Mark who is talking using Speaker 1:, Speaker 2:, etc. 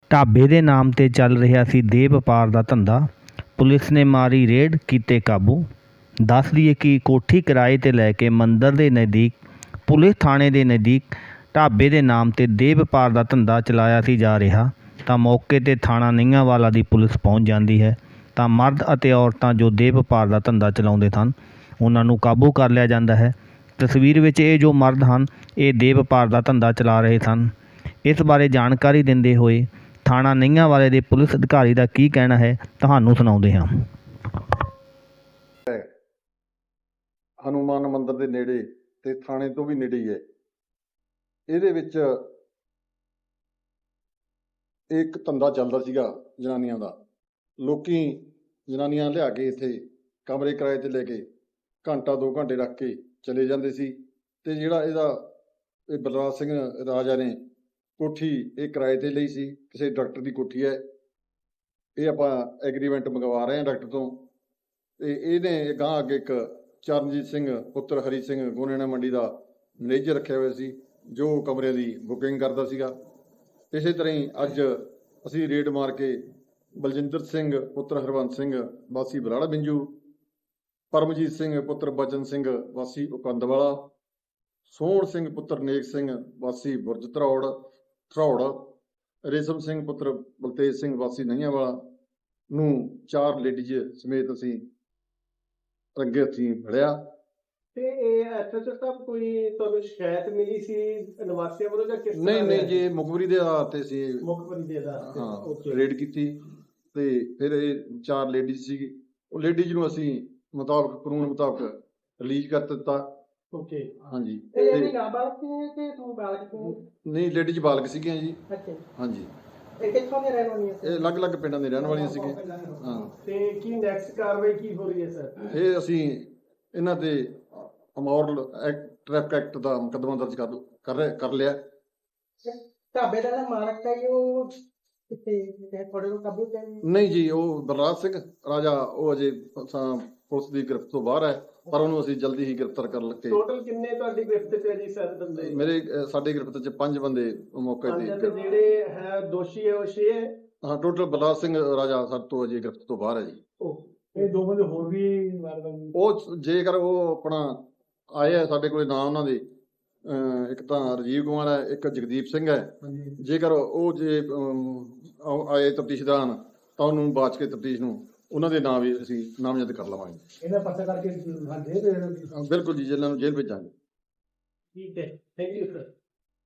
Speaker 1: ਢਾਬੇ ਦੇ ਨਾਮ 'ਤੇ ਚੱਲ ਰਿਹਾ ਸੀ ਦੇਹ ਵਪਾਰ ਦਾ ਧੰਦਾ। ਪੁਲਿਸ ਨੇ ਮਾਰੀ ਰੇਡ, ਕੀਤੇ ਕਾਬੂ। ਦੱਸ ਦਈਏ ਕਿ ਕੋਠੀ ਕਿਰਾਏ 'ਤੇ ਲੈ ਕੇ ਮੰਦਰ ਦੇ ਨਜ਼ਦੀਕ ਪੁਲਿਸ ਥਾਣੇ ਦੇ ਨਜ਼ਦੀਕ ਢਾਬੇ ਦੇ ਨਾਮ 'ਤੇ ਦੇਹ ਵਪਾਰ ਦਾ ਧੰਦਾ ਚਲਾਇਆ ਸੀ ਜਾ ਰਿਹਾ ਤਾਂ ਮੌਕੇ 'ਤੇ ਥਾਣਾ ਨਿੰਗਾਂਵਾਲਾ ਦੀ ਪੁਲਿਸ ਪਹੁੰਚ ਜਾਂਦੀ ਹੈ ਤਾਂ ਮਰਦ ਅਤੇ ਔਰਤਾਂ ਜੋ ਦੇਹ ਵਪਾਰ ਦਾ ਧੰਦਾ ਚਲਾਉਂਦੇ ਸਨ ਉਹਨਾਂ ਨੂੰ ਕਾਬੂ ਕਰ ਲਿਆ ਜਾਂਦਾ ਹੈ। ਤਸਵੀਰ ਵਿੱਚ ਇਹ ਜੋ ਮਰਦ ਹਨ ਇਹ ਦੇਹ ਵਪਾਰ ਦਾ ਧੰਦਾ ਚਲਾ ਰਹੇ ਸਨ। ਇਸ ਬਾਰੇ ਜਾਣਕਾਰੀ ਦਿੰਦੇ ਹੋਏ ਥਾਣਾ ਨਿੰਗਾਂਵਾਲੇ ਦੇ ਪੁਲਿਸ ਅਧਿਕਾਰੀ ਦਾ ਕੀ ਕਹਿਣਾ ਹੈ ਤੁਹਾਨੂੰ ਸੁਣਾਉਂਦੇ ਹਾਂ।
Speaker 2: ਹਨੂਮਾਨ ਮੰਦਿਰ ਦੇ ਨੇੜੇ ਤੇ ਥਾਣੇ ਤੋਂ ਵੀ ਨੇੜੇ ਹੀ ਹੈ। ਇਹਦੇ ਵਿੱਚ ਇੱਕ ਧੰਦਾ ਚੱਲਦਾ ਸੀਗਾ ਜਨਾਨੀਆਂ ਦਾ। ਲੋਕੀ ਜਨਾਨੀਆਂ ਲਿਆ ਕੇ ਇੱਥੇ ਕਮਰੇ ਕਿਰਾਏ ਤੇ ਲੈ ਕੇ ਘੰਟਾ 2 ਘੰਟੇ ਰੱਖ ਕੇ ਚਲੇ ਜਾਂਦੇ ਸੀ। ਤੇ ਜਿਹੜਾ ਇਹ ਬਲਰਾਜ ਸਿੰਘ ਰਾਜਾ ਨੇ ਕੋਠੀ ਇਹ ਕਿਰਾਏ ਤੇ ਲਈ ਸੀ, ਕਿਸੇ ਡਾਕਟਰ ਦੀ ਕੋਠੀ ਹੈ। ਇਹ ਆਪਾਂ ਐਗਰੀਮੈਂਟ ਮੰਗਵਾ ਰਹੇ ਹਾਂ ਡਾਕਟਰ ਤੋਂ। ਤੇ ਇਹਨੇ ਗਾਂ ਅੱਗੇ ਇੱਕ ਚਰਨਜੀਤ ਸਿੰਘ ਪੁੱਤਰ ਹਰੀ ਸਿੰਘ ਗੋਨੇਣਾ ਮੰਡੀ ਦਾ ਮੈਨੇਜਰ ਰੱਖਿਆ ਹੋਇਆ ਸੀ ਜੋ ਕਮਰਿਆਂ ਦੀ ਬੁਕਿੰਗ ਕਰਦਾ ਸੀਗਾ। ਇਸੇ ਤਰ੍ਹਾਂ ਹੀ ਅੱਜ ਅਸੀਂ ਰੇਡ ਮਾਰ ਕੇ ਬਲਜਿੰਦਰ ਸਿੰਘ ਪੁੱਤਰ ਹਰਵੰਤ ਸਿੰਘ ਵਾਸੀ ਬਰਾੜਾ ਬਿੰਜੂ, ਪਰਮਜੀਤ ਸਿੰਘ ਪੁੱਤਰ ਬਚਨ ਸਿੰਘ ਵਾਸੀ ਉਕੰਦਵਾਲਾ, ਸੋਹਣ ਸਿੰਘ ਪੁੱਤਰ ਨੇਕ ਸਿੰਘ ਵਾਸੀ ਬੁਰਜ ਧਰੌੜ, ਰੇਸ਼ਮ ਸਿੰਘ ਪੁੱਤਰ ਬਲਤੇਜ ਸਿੰਘ ਵਾਸੀ ਨਈਆਂਵਾਲਾ ਨੂੰ 4 ਲੇਡੀਜ਼ ਸਮੇਤ ਅਸੀਂ ਰੰਗੇ ਹੱਥੀਂ ਫੜਿਆ।
Speaker 3: ਤੇ ਇਹ ਐਸਐਚਓ ਸਾਹਿਬ ਕੋਈ ਤੁਹਾਨੂੰ ਸ਼ਿਕਾਇਤ ਮਿਲੀ ਸੀ ਨਿਵਾਸੀਆਂ ਵੱਲੋਂ ਜਾਂ ਕਿਸ ਤਰ੍ਹਾਂ?
Speaker 2: ਨਹੀਂ ਜੀ, ਮੁਖਬਰੀ ਦੇ ਆਧਾਰ ਤੇ ਸੀ।
Speaker 3: ਮੁਖਬਰੀ ਦੇ ਆਧਾਰ ਤੇ
Speaker 2: ਹਾਂ, ਰੇਡ ਕੀਤੀ ਤੇ ਫਿਰ ਇਹ 4 ਲੇਡੀਜ਼ ਸੀ। ਉਹ ਲੇਡੀਜ਼ ਨੂੰ ਅਸੀਂ ਕਾਨੂੰਨ ਮੁਤਾਬਕ ਰਿਲੀਜ਼ ਕਰ ਦਿੱਤਾ।
Speaker 3: ਓਕੇ,
Speaker 2: ਹਾਂਜੀ।
Speaker 3: ਇਹ ਵੀ ਨਾਬਾਲਗ ਸੀ ਕਿ ਤੂੰ ਬਾਲਗ ਸੀ?
Speaker 2: ਨਹੀਂ, ਲੇਡੀਜ਼ ਬਾਲਗ ਸੀਗੀਆਂ ਜੀ।
Speaker 3: ਅੱਛਾ,
Speaker 2: ਹਾਂਜੀ।
Speaker 3: ਇਹ ਕਿੱਥੋਂ ਦੇ ਰਹਿਣ ਵਾਲੀਆਂ ਸੀ?
Speaker 2: ਇਹ ਅਲੱਗ-ਅਲੱਗ ਪਿੰਡਾਂ ਦੇ ਰਹਿਣ ਵਾਲੀਆਂ ਸੀਗੇ। ਹਾਂ।
Speaker 3: ਤੇ ਕੀ ਨੈਕਸਟ ਕਾਰਵਾਈ ਕੀ ਹੋ ਰਹੀ ਹੈ ਸਰ?
Speaker 2: ਇਹ ਅਸੀਂ ਇਹਨਾਂ ਤੇ ਅਮੋਰਲ ਟ੍ਰੈਫਿਕ ਐਕਟ ਦਾ ਮੁਕੱਦਮਾ ਦਰਜ ਕਰ ਲਿਆ।
Speaker 3: ਢਾਬੇ ਦਾ ਮਾਲਕ ਹੈ ਉਹ ਕਿੱਥੇ ਤੁਹਾਡੇ ਕੋਲ ਕਾਬੂ ਤੇ?
Speaker 2: ਨਹੀਂ ਜੀ, ਉਹ ਬਲਰਾਜ ਸਿੰਘ ਰਾਜਾ ਉਹ ਅਜੇ ਪੁਲਿਸ ਦੀ ਗ੍ਰਿਫਤ ਤੋਂ ਬਾਹਰ ਹੈ, ਪਰ ਉਹਨੂੰ ਅਸੀਂ ਜਲਦੀ ਹੀ ਗ੍ਰਿਫਤਾਰ ਕਰ ਲਵਾਂਗੇ।
Speaker 3: ਟੋਟਲ ਕਿੰਨੇ ਤੁਹਾਡੀ ਗ੍ਰਿਫਤ ਤੇ ਜੀ ਸਰ ਬੰਦੇ?
Speaker 2: ਸਾਡੇ ਗ੍ਰਿਫਤ 'ਚ 5 ਬੰਦੇ ਮੌਕੇ ਤੇ।
Speaker 3: ਜਿਹੜੇ ਹੈ ਦੋਸ਼ੀ ਹੈ ਉਹ 6 ਹੈ?
Speaker 2: ਹਾਂ, ਟੋਟਲ ਬਲਰਾਜ ਸਿੰਘ ਰਾਜਾ ਸਾਡੇ ਤੋਂ ਅਜੇ ਗ੍ਰਿਫਤ ਤੋਂ ਬਾਹਰ ਹੈ ਜੀ।
Speaker 3: ਇਹ 2 ਬੰਦੇ ਹੋਰ ਵੀ
Speaker 2: ਉਹ ਜੇਕਰ ਉਹ ਆਪਣਾ ਆਏ ਆ ਸਾਡੇ ਕੋਲ ਨਾਮ ਉਹਨਾਂ ਦੇ, ਇੱਕ ਤਾਂ ਰਾਜੀਵ ਕੁਮਾਰ ਹੈ, ਇੱਕ ਜਗਦੀਪ ਸਿੰਘ ਹੈ। ਜੇਕਰ ਉਹ ਆਏ ਤਫਤੀਸ਼ ਦੌਰਾਨ ਤਾਂ ਉਹਨੂੰ ਬਾਚ ਕੇ ਤਫਤੀਸ਼ ਨੂੰ ਉਹਨਾਂ ਦੇ ਨਾਂ ਵੀ ਅਸੀਂ ਨਾਮਜ਼ਦ ਕਰ ਲਵਾਂਗੇ।
Speaker 3: ਇਹਦਾ ਪਤਾ ਕਰਕੇ
Speaker 2: ਬਿਲਕੁਲ ਜੀ, ਜੇਲ੍ਹਾਂ ਨੂੰ ਜੇਲ੍ਹ ਭੇਜਾਂਗੇ।
Speaker 3: ਠੀਕ ਹੈ, ਥੈਂਕ ਯੂ ਸਰ।